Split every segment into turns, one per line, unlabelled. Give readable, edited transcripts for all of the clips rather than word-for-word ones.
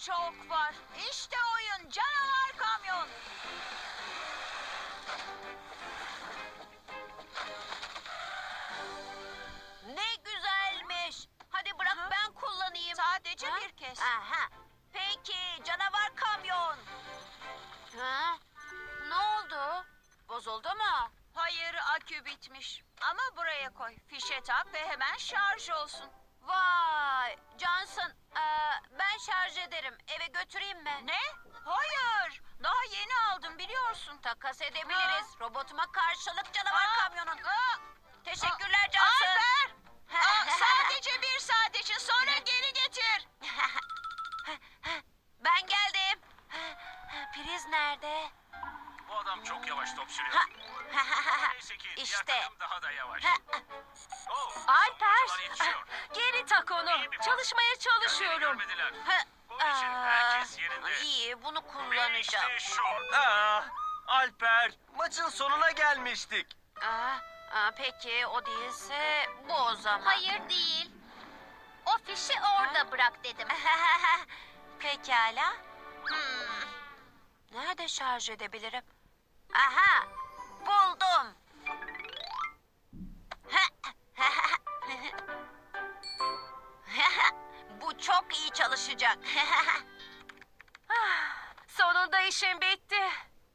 çok var. İşte oyun canavar kamyon. Ne güzelmiş. Hadi bırak ben kullanayım. Sadece bir kez. Aha. Peki canavar kamyon. Ha? Ne oldu? Bozuldu mu? Hayır, akü bitmiş. Ama buraya koy. Fişe tak ve hemen şarj olsun. Vay! Johnson, ben şarj ederim. Eve götüreyim mi? Ne? Hayır. Daha yeni aldım biliyorsun. Takas edebiliriz. Robotuma karşılık canavar kamyonun. Teşekkürler Johnson. Alper! Sadece bir saat için sonra geri getir. Ben geldim. Priz nerede?
Bu adam çok yavaş top sürüyor. Neyse ki
İşte.
diğer takım daha da yavaş. Oh,
Alper,
topçular yetişiyor.
geri tak onu.
İyi bir pas.
Çalışmaya
Kendini
çalışıyorum.
görmediler. Bunun için herkes yerinde.
İyi, bunu
Ve
kullanacağım.
işte şut.
Alper, maçın sonuna gelmiştik.
Peki o değilse bu o zaman.
Hayır değil. O fişi orada bırak dedim.
Pekala. Nerede şarj edebilirim? Aha, buldum. Bu çok iyi çalışacak.
Sonunda işim bitti.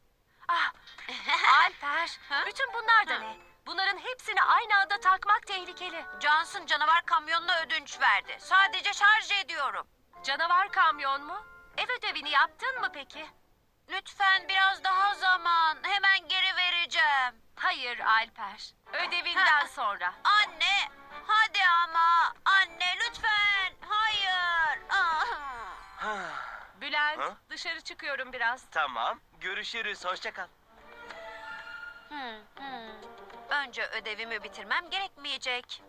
Alper, bütün bunlar da ne? Bunların hepsini aynı anda takmak tehlikeli.
Johnson canavar kamyonuna ödünç verdi. Sadece şarj ediyorum.
Canavar kamyon mu? Ev ödevini yaptın mı peki?
Lütfen biraz daha zaman. Hemen geri vereceğim.
Hayır Alper. Ödevinden sonra.
Anne, hadi ama. Anne lütfen. Hayır.
Bülent,
Ha?
dışarı çıkıyorum biraz.
Tamam, görüşürüz, hoşça kal.
Önce ödevimi bitirmem gerekmeyecek.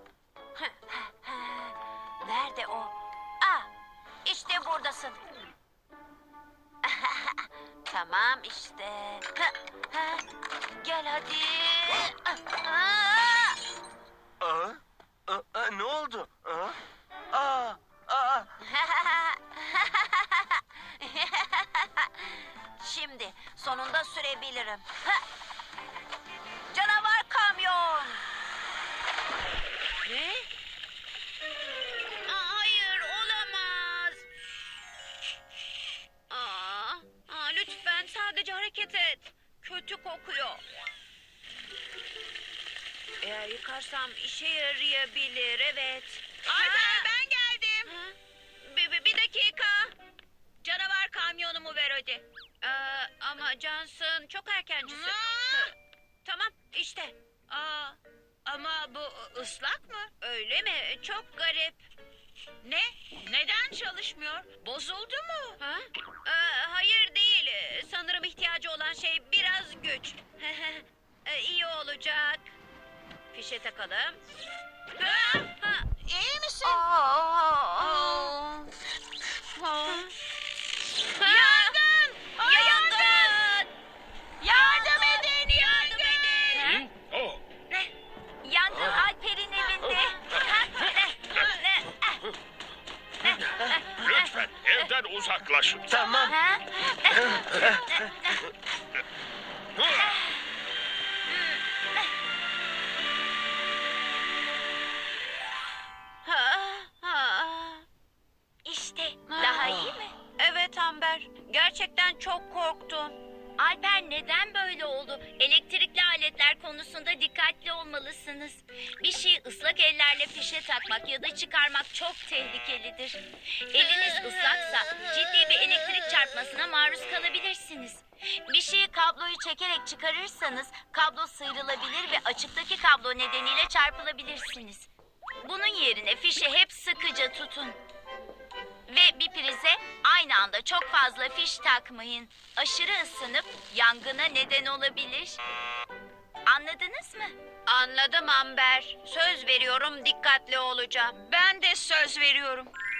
Nerede o? İşte buradasın. Tamam işte. Gel hadi.
Ne oldu? Aa, aa,
Şimdi sonunda sürebilirim. Canavar kamyon. Ne? Hayır olamaz. Lütfen sadece hareket et. Kötü kokuyor. Eğer yıkarsam işe yarayabilir, evet. Alper ben geldim. Bir dakika. Canavar kamyonumu ver hadi. Ama Johnson çok erkencisin. Tamam işte. Ama bu ıslak mı? Öyle mi? Çok garip. Ne? Neden çalışmıyor? Bozuldu mu? Hayır değil. Sanırım ihtiyacı olan şey biraz güç. İyi olacak. Fişe takalım. İyi misin? Yangın! Yangın! Yardım edin! Yardım edin!
Yangın Alper'in evinde.
Lütfen evden uzaklaşın.
tamam.
İşte daha iyi mi?
Evet Amber. Gerçekten çok korktum.
Alper neden böyle oldu? Elektrikli aletler konusunda dikkatli olmalısınız. Bir şeyi ıslak ellerle fişe takmak ya da çıkarmak çok tehlikelidir. Eliniz ıslaksa ciddi bir elektrik çarpmasına maruz kalabilirsiniz. Bir şeyi kabloyu çekerek çıkarırsanız kablo sıyrılabilir ve açıktaki kablo nedeniyle çarpılabilirsiniz. Bunun yerine fişi hep sıkıca tutun. Ve bir prize aynı anda çok fazla fiş takmayın. Aşırı ısınıp yangına neden olabilir. Anladınız mı?
Anladım Amber. Söz veriyorum dikkatli olacağım. Ben de söz veriyorum.